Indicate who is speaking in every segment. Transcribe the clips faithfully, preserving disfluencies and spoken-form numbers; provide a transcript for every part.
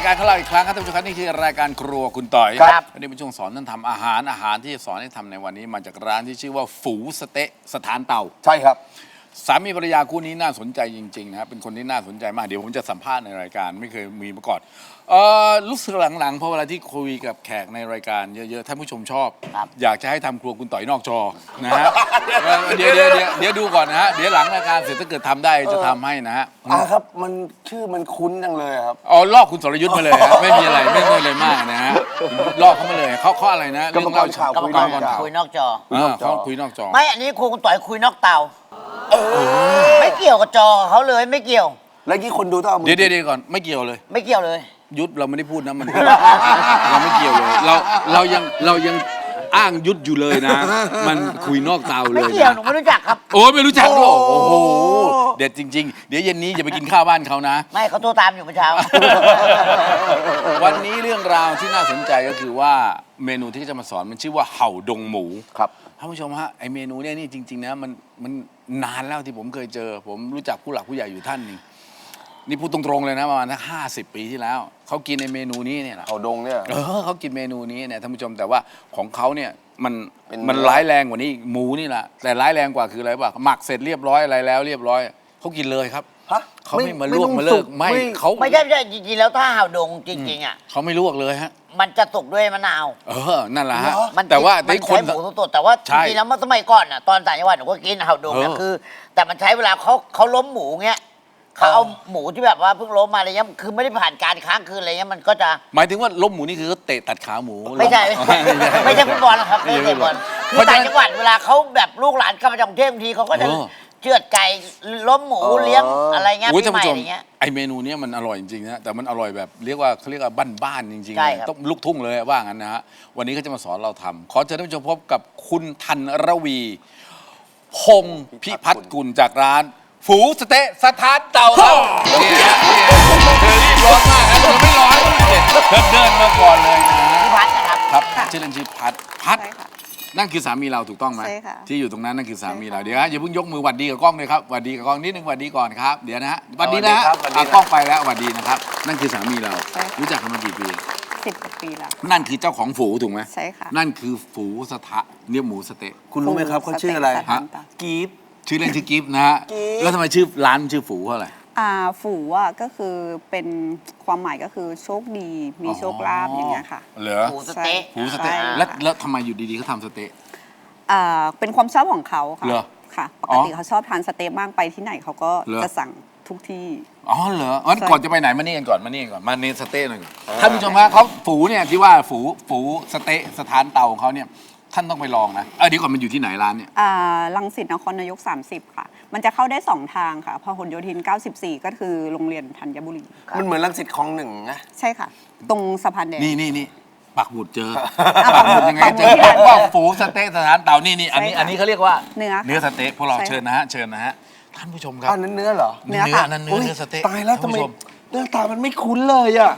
Speaker 1: การของเราอีกครั้งครับท่านผู้ชมครับนี่คือรายการครัวคุณต่อย
Speaker 2: ครับ
Speaker 1: วันนี้เป็นช่วงสอนท่านทำอาหารอาหารที่จะสอนให้ทำในวันนี้มาจากร้านที่ชื่อว่าฝูสเต๊ะสถานเตา
Speaker 2: ใช่ครับ
Speaker 1: สามีภรรยาคู่นี้น่าสนใจจริงๆนะครับเป็นคนที่น่าสนใจมากเดี๋ยวผมจะสัมภาษณ์ในรายการไม่เคยมีมาก่อนเออรู้สึกหลังๆเพราะเวลาที่คุยกับแขกในรายการเยอะๆท่านผู้ชมชอบ อยากจะให้ทำครัวคุณต่อยนอกจอนะฮะเออเดี๋ยวเดี๋ยวเดี๋ยวเดี๋ยวดูก่อนนะฮะเดี๋ยวหลังรายการเสร็จถ้าเกิดทำได้จะทำให้นะฮะ
Speaker 2: อ่าครับมันชื่อมันคุ้นจังเลยครับ
Speaker 1: อ๋อลอกคุณสรยุทธ์มาเลยฮะไม่มีอะไรไม่มีอะไรมากนะฮะลอกเขามาเลยเขาเขาอะไรนะ
Speaker 2: กรรมกรข่าว
Speaker 1: กรรมกร
Speaker 2: คุยนอกจอ
Speaker 3: คุยนอกจอ
Speaker 1: เออเขาคุยนอกจอ
Speaker 3: ไม่อันนี้ครูคุณต่อยคุยนอกเตาไม่เกี่ยวกับจอเขาเลยไม่เกี่ยว
Speaker 2: แล้วยี่คนดูต้องเอามือ
Speaker 1: เดี๋ยวเดี๋ยวเดี๋ยวก่อนไม่เกี่ยวเลย
Speaker 3: ไม่เกี่ยวเลย
Speaker 1: ยุทธเราไม่ได้พูดนะมัน เราไม่เกี่ยวเลย เราเรายังเรายังอ้างยุทธอยู่เลยนะ มันคุยนอกเตาเล
Speaker 3: ไม่
Speaker 1: ย
Speaker 3: เกี่ยว
Speaker 1: นะ
Speaker 3: หนูไม่รู้จักครับ
Speaker 1: โอ้ยไม่รู้จักด้วยโอ้โหเด็ดจริง ๆ เดี๋ยวเย็นนี้จะไปกินข้าวบ้านเขานะ
Speaker 3: ไม่เขาโทรตามอยู่เมื่อเช้า
Speaker 1: วันนี้เรื่องราวที่น่าสนใจก็คือว่าเมนูที่จะมาสอนมันชื่อว่าเห่าดงหมู
Speaker 2: ครับ
Speaker 1: ท่านผู้ชมฮะไอเมนูเนี่ยนี่จริงๆนะมันมันนานแล้วที่ผมเคยเจอ ผมรู้จักผู้หลักผู้ใหญ่อยู่ท่านหนึงนี่พูดตรงๆเลยนะประมาณสักห้าสิบปีที่แล้วเขากินในเมนูนี้เนี่ยแหละ
Speaker 2: เขาดงเนี่ย
Speaker 1: เออเขากินเมนูนี้เนี่ยท่านผู้ชมแต่ว่าของเขาเนี่ยมัน
Speaker 2: เป็น
Speaker 1: มันร้ายแรงกว่านี้อีกหมูนี่แหละแต่ร้ายแรงกว่าคืออะไรป่ะหมักเสร็จเรียบร้อยอะไรแล้วเรียบร้อยเขากินเลยครับ
Speaker 2: ฮะ
Speaker 1: เขาไม่มาลวก
Speaker 2: ต้อง
Speaker 1: มาเลิ
Speaker 2: สุ
Speaker 1: กไม่เขา
Speaker 3: ไม่ใช่ไม่ใช่จริงๆแล้วถ้าห่าวดงจริงๆอ่ะ
Speaker 1: เขาไม่ลวกเลยฮะ
Speaker 3: มันจะสุกด้วยมะนาว
Speaker 1: เออนั่นแหละฮะ
Speaker 3: มัน
Speaker 1: แต่ว่า
Speaker 3: มัน
Speaker 1: ไอ้คน
Speaker 3: ใช้หมูสดๆแต่ว่าจ
Speaker 1: ใช่
Speaker 3: ริงๆแล้วเมื่อสมัยก่อนอ่ะตอนต่างจังหวัดหนูก็กินห่าวดงนะ
Speaker 1: เออ
Speaker 3: คือ แต่มันใช้เวลาเขาเขาล้มหมูเงี้ยเขาเอาหมูที่แบบว่าเพิ่งล้มมาอะไรเงี้ยคือไม่ได้ผ่านการค้างคืนอะไรเงี้ยมันก็จะ
Speaker 1: หมายถึงว่าล้มหมูนี่คือเขาเตะตัดขาหมู
Speaker 3: ไม่ใช่ไม่ใช่ไม่ใช่ฟุตบอลหรอกครับไม่ใช่ฟุตบอลคือต่างจังหวัดเวลาเขาแบบลูกหลานกลับมาจากกรุงเทพบางทีเขาก็จะเชือดไก่ล้มหมูเลี้ยงอะไรเงี้ย
Speaker 1: โอ้ย
Speaker 3: ปี
Speaker 1: ท่าน
Speaker 3: ใหม่
Speaker 1: ผู้ช
Speaker 3: อะ
Speaker 1: ม
Speaker 3: ไรเงี้ย
Speaker 1: ไอเมนูเนี้ยมันอร่อยจริงๆนะแต่มันอร่อยแบบเรียกว่าเขาเรียกว่าบ้านๆจริงๆ
Speaker 3: ใช่
Speaker 1: เลย
Speaker 3: ครับ
Speaker 1: ต้องลูกทุ่งเลยว่างั้นนะฮะวันนี้เขาจะมาสอนเราทำขอเชิญท่านผู้ชมพบกับคุณธันรวีพงศ์พิพัฒน์กุลจากร้าน ฝูสเต๊ะสถานเตาครับนี่ฮะนี่ฮะเธอรีบร้อนมากนะเธอไม่ร้อนเนี่ยเธอเดินมาก่อนเลยนะ
Speaker 3: พี่พัฒน์นะครับ
Speaker 1: ครับชื่อเล่นชื่อพัดพัด
Speaker 4: ใช่ค่ะ
Speaker 1: นั่นคือสามีเราถูกต้องไหม
Speaker 4: ใช่ค่ะ
Speaker 1: ที่อยู่ตรงนั้นนั่นคือสามีเรา
Speaker 4: ใช่ค่ะ
Speaker 1: เดี๋ยวฮะอย่าเพิ่งยกมือหวัดดีกับกล้องเลยครับหวัดดีกับกล้องนิดนึงหวัดดีก่อนครับเดี๋ยวนะฮะหวัดดีนะฮะ
Speaker 2: สวัสดีครับ
Speaker 1: อ่ะกล้องไปแล้วหวัดดีนะครับนั่นคือสามีเรา
Speaker 4: ใช่ค่ะ
Speaker 1: รู้จักกันมากี่ปี
Speaker 4: สิบกว่าปีแล้ว
Speaker 1: นั่นคือเจ้าของฝูถูกไหม
Speaker 4: ใช่ค่ะ
Speaker 1: นั่นคือฝูสถะเนี่ยหมูสะเต๊ะ
Speaker 2: คุณรู้ไหมครับเขาชื่ออะไร
Speaker 4: สเต็กสถานเตา
Speaker 2: กีฟ
Speaker 1: ชื่อเล่นชื่อกิฟต์นะฮะ
Speaker 2: กิฟต์
Speaker 1: แล้วทำไมชื่อร้านชื่อฝูเพราะอะไร
Speaker 4: อ่าฝูอ่ะก็คือเป็นความหมายก็คือโชคดีมีโชคลาภอย่างเงี้ยค่ะ
Speaker 1: เหรอ
Speaker 3: หมูสเต๊ะ
Speaker 1: ฝูสเต๊ะ
Speaker 4: ใช่
Speaker 1: แล้วแล้วทำไมอยู่ดีๆเขาทำสเต๊ะ
Speaker 4: อ่าเป็นความชอบของเขาค่ะ
Speaker 1: เหรอ
Speaker 4: ค่ะ ป
Speaker 1: อ๋
Speaker 4: ก
Speaker 1: อ
Speaker 4: ติเขาชอบทานสเต๊ะมากไปที่ไหนเขาก็
Speaker 1: เหรอ
Speaker 4: จะสั่งทุกที่
Speaker 1: อ๋อเหรองั้น
Speaker 4: ใช่
Speaker 1: ก่อนจะไปไหนมานี่กันก่อนมานี่กันก่อนมาเนสเต๊ะหน่อยก่อนท่านผู้ชมฮะเขาฝูเนี่ยที่ว่าฝูฝูสเต๊ะสถานเตาของเขาเนี่ยท่านต้องไปลองนะเออเดี๋ยวก่อนมันอยู่ที่ไหนร้านเนี่ย
Speaker 4: อ่ารังสิตนครนายก สามสิบ ค่ะ มันจะเข้าได้สองทางค่ะพหลโยธิน เก้าสิบสี่ ก็คือโรงเรียนธัญบุรี
Speaker 2: มันเหมือนรังสิตคลองหนึ่งนะ
Speaker 4: ใช่ค่ะ ตรงสะพานแดง
Speaker 1: นี่นี่นี่ปักหมุดเจอ
Speaker 4: อ่ะ
Speaker 1: ปักหมุดยังไง
Speaker 4: ปักหมุ
Speaker 1: เจ
Speaker 4: ด
Speaker 1: อ
Speaker 4: ที่ร้าน
Speaker 1: ว่าฝูสเต๊ะสถานเตานี่นี่อันนี้
Speaker 4: ใช่ค่ะ
Speaker 1: อันนี้เขาเรียกว่า
Speaker 4: เนื้อค่ะ
Speaker 1: เนื้อสเต๊ะพวกเรา
Speaker 4: ใช่ค่ะ
Speaker 1: เชิญนะฮะเชิญนะฮะท่านผู้ชมครับ
Speaker 2: อ้าวนั้นเนื้อเหรอ
Speaker 4: เนื้อค่ะ
Speaker 1: นั่นเนื้อ
Speaker 2: อุ๊ย
Speaker 1: เนื้อสเต๊ะ
Speaker 2: ตายแล้วทำ
Speaker 1: ท่าน
Speaker 2: ไม
Speaker 1: ผู้ชม
Speaker 2: หน้าตามันไม่คุ้นเลยอ่ะ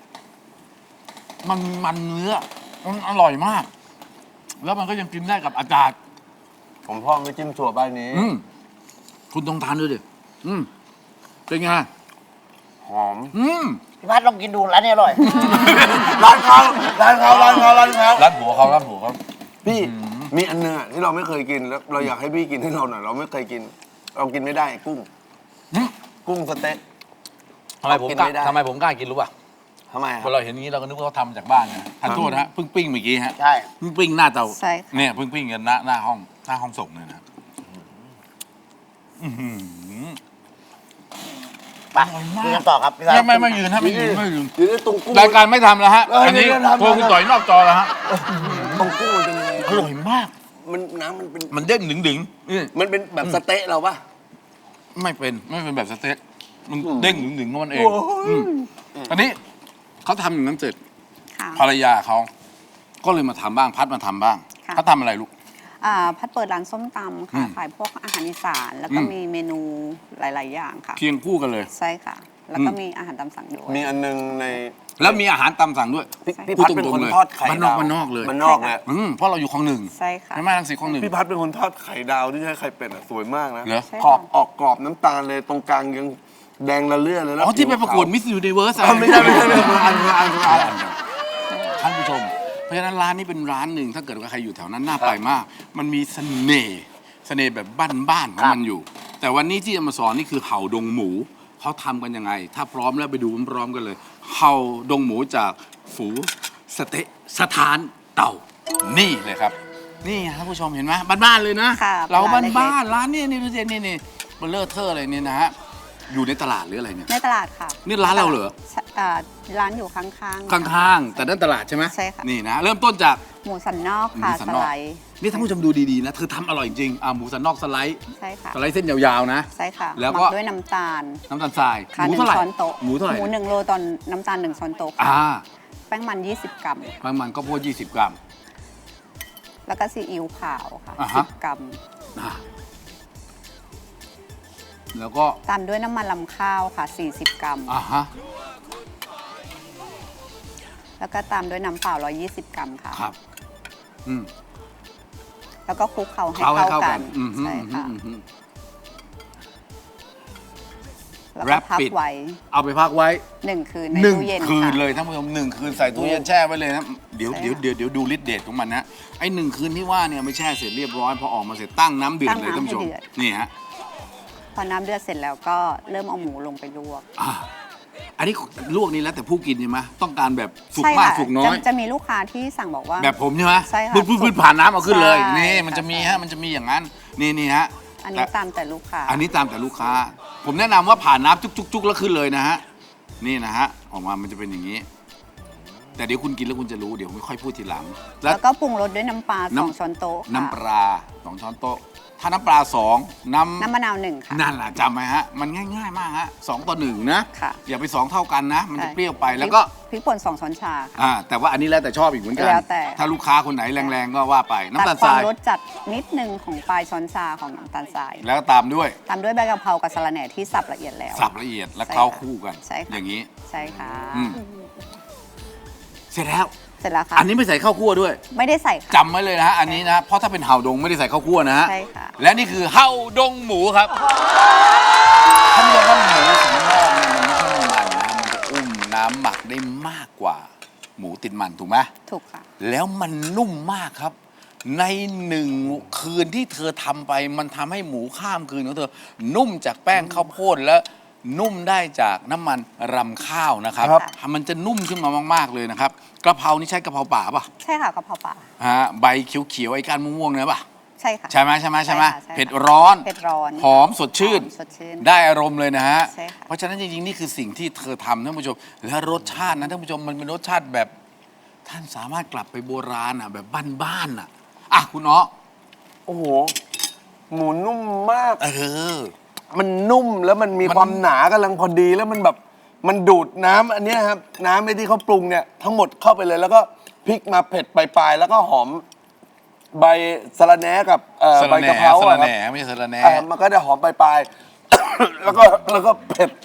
Speaker 1: มันมันเนื้อมันอร่อยมาก แล้วมันก็ยังกินได้กับอากาศ
Speaker 2: ผมพ่อไม่จิ้มถั่วบ้านนี้
Speaker 1: อืมคุณต้องทานดูดิอืมเป็นไง
Speaker 2: หอม
Speaker 1: อืม
Speaker 3: พี่พัฒน์ลองกินดูร้านนี้อร่อย
Speaker 2: ร้านเขาร้านเขาร้านเขาร้านเขา
Speaker 1: ร้านผัวเขาร้านผัวเขา
Speaker 2: พี่มีอันเนึงอะที่เราไม่เคยกินแล้วเราอยากให้พี่กินให้เราหน่อยเราไม่เคยกิน เรากินไม่ได้กุ้ง
Speaker 1: อืม
Speaker 2: กุ้งสเต๊ะ
Speaker 1: ทำไมผม
Speaker 2: กิน
Speaker 1: กล้า
Speaker 2: ไม่ได้
Speaker 1: ทำไมผมกล้ากินรู้ป่ะ
Speaker 2: ทำไมค
Speaker 1: พ
Speaker 2: รั
Speaker 1: อบ เราเห็นอย่างนี้เราก็นึกว่าเขาทำจากบ้านนะทานโทษนะฮะเพิ่งปิ้งเมื่อกี้ฮะ
Speaker 3: ใช่
Speaker 1: เพิ่งปิ้งหน้าเตา
Speaker 4: ใช่ค่ะ
Speaker 1: เนี่ยเพิ่งปิ้งกันหน้าหน้าห้องหน้าห้องส่งเลยนะอื้อหือ
Speaker 3: ไปคุยกันต่อครับพี่พัฒ
Speaker 1: ไม่
Speaker 3: น์
Speaker 1: ไม่ไม่ยืนฮะไม่ยืนไม่ยืน
Speaker 2: เดี๋ยวตรงกุ้ง
Speaker 1: รายการไม่ทำแล้วฮะ
Speaker 2: เออ
Speaker 1: อันนี้
Speaker 2: เดี๋ยวทำ
Speaker 1: โทรคุณต่อยนอกจอแล้วฮะ
Speaker 2: ตรงกุ้งมันเป็นยังไง
Speaker 1: อร่อยมาก
Speaker 2: มันน้ำมันเป็น
Speaker 1: มันเด้งดึงดึงๆนี่
Speaker 2: มันเป็นแบบสเต๊ะเราปะ
Speaker 1: ไม่เป็นไม่เป็นแบบสเต็กมัน
Speaker 2: อืม
Speaker 1: เด้งดึงดึงๆของมันเอง
Speaker 2: โอ้ย
Speaker 1: อืมอันนี้เขาทำอย่างนั้นเสร็จ
Speaker 4: ค่ะ
Speaker 1: ภรรยาเขาก็เลยมาทำบ้างพัดมาทำบ้าง
Speaker 4: ค่ะ
Speaker 1: เขาทำอะไรลูก
Speaker 4: อ่าพัดเปิดร้านส้มตำ
Speaker 1: อื
Speaker 4: ค่ะ
Speaker 1: ม
Speaker 4: ขายพวกอาหารอีสานแล้วก็
Speaker 1: อืม
Speaker 4: มีเมนูหลาย ๆ อย่างค่ะ
Speaker 1: เคียงคู่กันเลย
Speaker 4: ใช่ค่ะ แล้วก็
Speaker 1: อืม
Speaker 4: มีอาหารตามสั่งด้วย
Speaker 2: มีอันนึงใน
Speaker 1: แล้วมีอาหารตามสั่งด้วย
Speaker 2: พี่
Speaker 4: ใช่
Speaker 2: พี่
Speaker 1: พูด
Speaker 2: พัดเป็น
Speaker 1: ตรง
Speaker 2: คน
Speaker 1: ๆเลย
Speaker 2: ทอดไข่
Speaker 1: บ้านนอก
Speaker 2: ดาว
Speaker 1: บ้านนอกเลย
Speaker 2: มันนอกเลย
Speaker 1: อืมเพราะเราอยู่คลองหนึ่ง
Speaker 4: ใช่ค่ะ
Speaker 1: ไม่มาลังสิตคลองหนึ่ง
Speaker 2: พี่พัดเป็นคนทอดไข่ดาวที่ใช้ไข่เป็ดอะสวยมากนะ
Speaker 1: เหรอ
Speaker 4: ใช่
Speaker 2: ขอบ
Speaker 4: ค่ะ
Speaker 2: ออกกรอบน้ำตาลเลยตรงกลางยังแดงละเลื่อนเลยแล้ว
Speaker 1: อ๋อที่ไปประกวดมิส s u นิเวิร์ส
Speaker 2: อ๋อไม่ใช่ไม่ใช่ไม่ใช่คนละอันคนละอันคนละอัน
Speaker 1: ท่านผู้ชม เพราะฉะนั้นร้านนี้เป็นร้านหนึ่งถ้าเกิดว่าใครอยู่แถวนั้นน่าไปมาก มันมีเสน่ห์เสน่ห์แบบบ้านๆของมันอยู่ แต่วันนี้ที่จะมาสอนนี่คือเห่าดงหมูเขาทำกันยังไง ถ้าพร้อมแล้วไปดูพร้อมๆกันเลย เห่าดงหมูจากฝูสเต๊ะสถานเต่านี่เลยครับ นี่ท่านผู้ชมเห็นไหมบ้านๆเลยนะ
Speaker 4: ค่ะ
Speaker 1: เรา
Speaker 4: ร้านเล็กๆ
Speaker 1: บ้านๆร้านนี่นี่ดูสินี่นี่เบลเลอร์เทอร์อะไรเนี่ยนะฮะอยู่ในตลาดหรืออะไรเนี่ย
Speaker 4: ในตลาดค่ะ
Speaker 1: นี่ร้านเราเหรอ
Speaker 4: ใช่อ่าร้านอยู่ข้างๆ
Speaker 1: ข้างๆแต่นั่นตลาดใช่ไหม
Speaker 4: ใช่ค่ะ
Speaker 1: นี่นะเริ่มต้นจาก
Speaker 4: หมูสันนอก
Speaker 1: หมู
Speaker 4: ค่ะ
Speaker 1: สัน
Speaker 4: ส
Speaker 1: นอก
Speaker 4: ไลด์
Speaker 1: นี่ท่านผู้ชมดูดีๆนะเธอทำอร่อยจริงอ่ะหมูสันนอกสไลด์
Speaker 4: ใช่ค่ะ
Speaker 1: สไลด์เส้นยาวๆนะ
Speaker 4: ใช่ค่ะ
Speaker 1: แล้ว
Speaker 4: ห
Speaker 1: ก็
Speaker 4: มักด้วยน้ำตาล
Speaker 1: น้ำตาลทราย
Speaker 4: ค่ะ
Speaker 1: หมู
Speaker 4: หนึ่
Speaker 1: เท่าง ไหร่
Speaker 4: ช้อนโต๊ะ
Speaker 1: หมูเท่าไหร่
Speaker 4: หมูหนึ่งโลตอนน้ำตาลหนึ่งช้อนโต๊ะค่ะ
Speaker 1: อ่า
Speaker 4: แป้งมันยี่สิบกรัม
Speaker 1: ประมาณก็พวกยี่สิบกรัม
Speaker 4: แล้วก็ซีอิ๊วขาวค่ะ
Speaker 1: อ่า
Speaker 4: สิ
Speaker 1: ฮะ
Speaker 4: บกรัม
Speaker 1: อ่าแล้วก็
Speaker 4: ตามด้วยน้ำมันลำข้าวค่ะสี่สิบกรัม
Speaker 1: อ่าฮะ
Speaker 4: แล้วก็ตามด้วยน้ำเปล่าหนึ่งร้อยยี่สิบกรัมค่ะ
Speaker 1: ครับอืม
Speaker 4: แล้วก็คลุกเคล้าให้
Speaker 1: เข้าให้
Speaker 4: เข้า
Speaker 1: เข้า
Speaker 4: กั
Speaker 1: กัน นอืมฮึ
Speaker 4: ใช่
Speaker 1: อืมฮึ
Speaker 4: ค่ะ
Speaker 1: อืมฮึ
Speaker 4: แล้ว
Speaker 1: แร
Speaker 4: ก็
Speaker 1: ป
Speaker 4: พัก
Speaker 1: ปิด
Speaker 4: ไว้
Speaker 1: เอาไปพักไว้
Speaker 4: หนึ่งคืนใน
Speaker 1: หนึ่ง
Speaker 4: ตู้เย็น
Speaker 1: คืน
Speaker 4: ค่ะ
Speaker 1: เลยท่านผู้ชมหนึ่งคืนใส่ตู้เย็นแช่ไว้เลยนะเดี๋ยว
Speaker 4: ใช่
Speaker 1: เดี๋ยว
Speaker 4: ค่ะ
Speaker 1: เดี๋ยวเดี๋ยวดูฤทธิ์เดชของมันนะไอ้หนึ่งคืนที่ว่าเนี่ยไม่แช่เสร็จเรียบร้อยพอออกมาเสร็จตั้งน้ำเดือดเลยท่านผู้ชมนี่ฮะ
Speaker 4: พอน้ำเดือดเสร็จแล้วก็เริ่มเอาหมูลงไปลวก
Speaker 1: อ่าอันนี้ลวกนี้แล้วแต่ผู้กินใช่ไหมต้องการแบบสุก
Speaker 4: ใช่
Speaker 1: มาก
Speaker 4: ค่ะ
Speaker 1: สุกน้อย
Speaker 4: จะจะมีลูกค้าที่สั่งบอกว่า
Speaker 1: แบบผมใช่ไหม
Speaker 4: ใช่ค่ะ
Speaker 1: พื้นพื้นพื้นผ่านน้ำเอาขึ้นเลย
Speaker 4: ใช่
Speaker 1: นี่มันจะมี
Speaker 4: ค่ะ
Speaker 1: ฮะมันจะมีอย่างนั้นนี่นี่ฮะ
Speaker 4: อันนี้
Speaker 1: แต่
Speaker 4: ตามแต่ลูกค้า
Speaker 1: อันนี้ตามแต่ลูกค้า ผมแนะนำว่าผ่านน้ำจุกๆๆแล้วขึ้นเลยนะฮะนี่นะฮะออกมามันจะเป็นอย่างนี้ แต่เดี๋ยวคุณกินแล้วคุณจะรู้เดี๋ยวไม่ค่อยพูดทีหลัง แล้ว
Speaker 4: แล้วก็ปรุงรสด้วยน้ำปลา
Speaker 1: น้ำ
Speaker 4: สองช้อนโต๊ะค่ะ
Speaker 1: น้ำปลาสองช้อนโต๊ะถ้าน้ำปลาสองน้ำ
Speaker 4: น้ำมะนาวหนึ่งค่ะ
Speaker 1: นั่นแหละจำไหมฮะ มันง่ายๆมากฮะสองต่อหนึ่งนะ
Speaker 4: ค่ะ
Speaker 1: อย่าไปสองเท่ากันนะ มันจะ
Speaker 4: ใช่
Speaker 1: เปรี้ยวไปแล้วก็
Speaker 4: พริกป่นสองช้อนชาค่ะ
Speaker 1: อ่าแต่ว่าอันนี้แล้วแต่ชอบอีกเหมือนกัน
Speaker 4: แล้วแต่
Speaker 1: ถ้าลูกค้าคนไหนแรงๆก็ว่าไปน้ำ
Speaker 4: ตั
Speaker 1: ตา
Speaker 4: ด
Speaker 1: ล
Speaker 4: ค
Speaker 1: ท
Speaker 4: วาม
Speaker 1: ราย
Speaker 4: รสจัดนิดนึงของปลายช้อนชาของน้ำตาลทราย
Speaker 1: แล้วก็ตามด้วย
Speaker 4: ตามด้วยใบกะเพรากับสะระแหน่ที่สับละเอียดแล้ว
Speaker 1: สับละเอียดและ
Speaker 4: ใช่
Speaker 1: เคล้า
Speaker 4: ค่ะ
Speaker 1: คู่กัน
Speaker 4: ใช่ค่ะ
Speaker 1: อย่างนี้
Speaker 4: ใช่ค่ะ
Speaker 1: อืม เสร็จแล้ว
Speaker 4: เสร็จแล้วค่ะ
Speaker 1: อันนี้ไม่ใส่ข้าวคั่วด้วย
Speaker 4: ไม่ได้ใส่ค่ะ
Speaker 1: จำไว้เลยนะฮะอันนี้นะเพราะถ้าเป็นเห่าดงไม่ได้ใส่ข้าวคั่วนะฮะ
Speaker 4: ใช่ค่ะ
Speaker 1: และนี่คือเห่าดงหมูครับท่านผู้ชมครับหมูสันนอกเนี่ยมันไม่ใช่มันนะมันจะอุ้มน้ำหมักได้มากกว่า หมูติดมันถูกไหม
Speaker 4: ถูกค่ะ
Speaker 1: แล้วมันนุ่มมากครับ ในหนึ่งคืนที่เธอทำไปมันทำให้หมูข้ามคืนของเธอ นุ่มจากแป้งข้าวโพดและนุ่มได้จากน้ำมันรำข้าวนะครับ
Speaker 4: ครับ
Speaker 1: มันจะนุ่มขึ้นมามากๆเลยนะครับกระเพรานี่ใช้กระเพราป่าป่ะ
Speaker 4: ใช่ค่ะกะเพราป่า
Speaker 1: ฮะใบเขียวๆไอ้ก้านม่วงๆเนี่ยป่ะ
Speaker 4: ใช่ค่ะ
Speaker 1: ใช่ไหมใช่ไหมใช่ไหม
Speaker 4: ใช่ค่ะใช่ค่ะ
Speaker 1: เผ็ดร้อน
Speaker 4: เผ็ดร้อน
Speaker 1: หอมสดชื่น
Speaker 4: หอมสดชื่น
Speaker 1: ได้อารมณ์เลยนะฮะ
Speaker 4: ใช่ค่ะ
Speaker 1: เพราะฉะนั้นจริงๆ นี่คือสิ่งที่เธอทำท่านผู้ชม และรสชาตินะท่านผู้ชมมันเป็นรสชาติแบบ ท่านสามารถกลับไปโบราณอ่ะแบบบ้านๆอ่ะอ่ะคุณเนาะ
Speaker 2: โอ้โห หมูนุ่มมาก
Speaker 1: เออ
Speaker 2: มันนุ่มแล้วมันมี
Speaker 1: มัน
Speaker 2: ความหนากำลังพอดีแล้วมันแบบมันดูดน้ำอันเนี้ยครับ น้ำไอ้ที่เขาปรุงเนี่ยทั้งหมดเข้าไปเลยแล้วก็พริกมาเผ็ดปลายๆแล้วก็หอมใบสะระแหน่กับเอ่อ
Speaker 1: สะ
Speaker 2: ใบ
Speaker 1: ระแห
Speaker 2: กะ
Speaker 1: น่
Speaker 2: เพรา
Speaker 1: สะ
Speaker 2: อะ
Speaker 1: ระ
Speaker 2: ค
Speaker 1: แห
Speaker 2: รับ
Speaker 1: น่ไม่ใช่สะระแหน่
Speaker 2: เอ่อมันก็จะหอมปลายๆ แล้วก็แล้วก็เผ็ด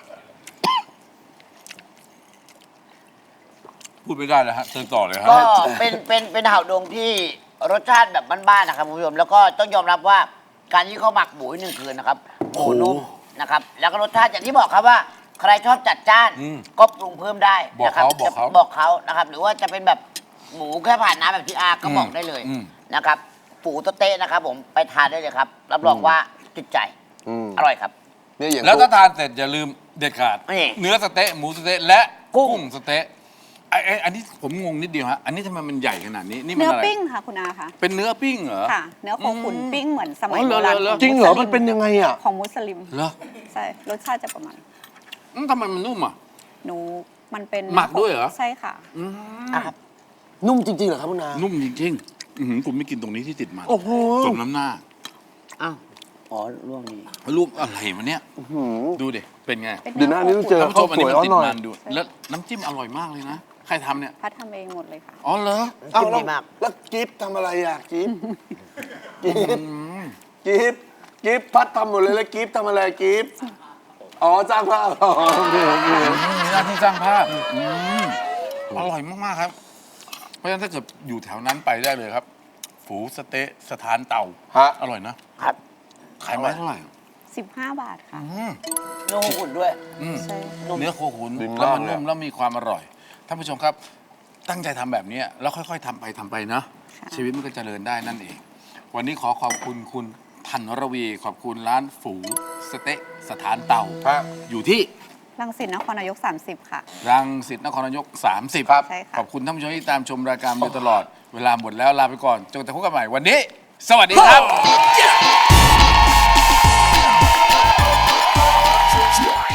Speaker 1: พูดไม่ได้แล้วฮะเชิญต่อเลยฮะ
Speaker 3: ก็เป็นเป็นเป็นเห่าดงที่รสชาติแบบบ้านๆนะครับคุณผู้ชมแล้วก็ต้องยอมรับว่าการที่เขาหมักหมูหนึ่งคืนนะครับหมูนุ่มนะครับแล้วก็รสชาติอย่างที่บอกครับว่า ใครชอบจัดจ้าน
Speaker 1: อืม
Speaker 3: ก็ปรุงเพิ่มได้นะครั
Speaker 1: บอกเขาบอกเขา
Speaker 3: จะบอกเขานะครับ หรือว่าจะเป็นแบบหมูแค่ผ่านน้ำแบบที่อาก็
Speaker 1: อืม
Speaker 3: บอกได้เลย
Speaker 1: อืม
Speaker 3: นะครับปูโตเต้นะครับผมไปทานได้เลยครับรับรองว่าติดใจ
Speaker 2: อืม
Speaker 3: อร่อยครับ
Speaker 2: เนี่ยอย่าง
Speaker 1: แล้วถ้าทานเสร็จอย่าลืมเด็ดขาด
Speaker 3: นี่
Speaker 1: เนื้อสะเต๊ะหมูสะเต๊ะและ
Speaker 3: กุ้
Speaker 1: กุ้
Speaker 3: ง
Speaker 1: งสะเต๊ะไอ้ไอ้อันนี้ผมงงนิดเดียวฮะอันนี้ทำไมมันใหญ่ขนาดนี้นี่มัน
Speaker 4: เนื้อ
Speaker 1: อะไร
Speaker 4: ปิ้งค่ะคุณอาค่ะ
Speaker 1: เป็นเนื้อปิ้งเหรอ
Speaker 4: ค่ะ เนื้อโคขุนปิ้งเหมือนสมัย
Speaker 1: อ๋อเหร
Speaker 4: โบ
Speaker 1: อ
Speaker 4: ราณ
Speaker 1: เหรอ
Speaker 4: ข
Speaker 2: จริงเหรอ
Speaker 4: มุสลิ
Speaker 2: มันเป็นยังไงอ่ะ
Speaker 4: ของมุสลิม
Speaker 1: เหรอ
Speaker 4: ใช่รสชาติจะประมาณ
Speaker 1: อืมทำไมมันนุ่มอ่ะ
Speaker 4: หนูมันเป็น
Speaker 1: หมักด้วยเหรอ
Speaker 4: ใช่ค่ะ
Speaker 1: อืม
Speaker 3: อ่ะครับ
Speaker 2: นุ่มจริงๆเหรอครับคุณอา
Speaker 1: นุ่มจริงๆอื้อหือคุณไม่กินตรงนี้ที่ติดมัน
Speaker 2: โอ้โห
Speaker 1: สมน้ำหน้า
Speaker 3: อ้าวอ๋อร่วงนี้
Speaker 1: รูปอะไรวะเนี่ย
Speaker 2: หืม
Speaker 1: ดูดิเป็นไง
Speaker 4: เป็น
Speaker 2: เดี๋ยวหน้านี้ต้องเจอ
Speaker 1: ท่านผู้ช
Speaker 2: ข้าว
Speaker 1: มอัน
Speaker 2: ส
Speaker 1: นี้
Speaker 2: วย
Speaker 1: มัน
Speaker 2: เอา
Speaker 1: ติด
Speaker 2: หน่อย
Speaker 1: มันดูแล้วน้ำจิ้มอร่อยมากเลยนะใครทำเนี่ย
Speaker 4: พัดทำเองหมดเลยค่ะ
Speaker 1: อ๋อเหรอ
Speaker 2: เอ้า
Speaker 3: จิ้ม
Speaker 2: แล้ว
Speaker 3: ดีมาก
Speaker 2: แล้วกิฟทำอะไรอ่ะกิฟกิฟกิฟกิฟพัดทำหมดเลยแล้วกิฟทำอะไรกิฟอ๋อจ้างภาพอ๋อโอเคโอเค
Speaker 1: มีหน้าที่สร้างภาพอืมอร่อยมากๆครับ เพราะฉะนั้นถ้าเกิดอยู่แถวนั้นไปได้เลยครับ ฝูสะเต๊ะสถานเต่า
Speaker 2: ฮะ
Speaker 1: อร่อยนะครับ ขายไม้เท่าไหร่
Speaker 4: สิบห้า บาทค่ะ
Speaker 3: โนหุ่นด้วย
Speaker 1: อืม
Speaker 4: ใช่
Speaker 1: เนื้อโคขุน
Speaker 2: ดีมาก
Speaker 1: แล้วมัน
Speaker 2: เลย
Speaker 1: นุ่มแล้วมีความอร่อยท่านผู้ชมครับ ตั้งใจทำแบบนี้แล้วค่อยๆทำไปทำไปเนาะ
Speaker 4: ค่ะ
Speaker 1: ชีวิตมันก็เจริญได้นั่นเอง วันนี้ขอขอบคุณคุณธันรวี ขอบคุณร้านฝูสเต๊ะสถานเตา
Speaker 2: ฮะ
Speaker 1: อยู่ที่
Speaker 4: รังสิตนครนายก สามสิบ ค่ะ
Speaker 1: รังสิตนครนายก สามสิบ
Speaker 2: ครับ
Speaker 4: ใช่ค่ะ
Speaker 1: ขอบคุณท่านผู้ชมที่ตามชมรายการมาโดยตลอด เวลาหมดแล้วลาไปก่อนจนกระทั่งพบกันใหม่วันนี้ สวัสดีครับ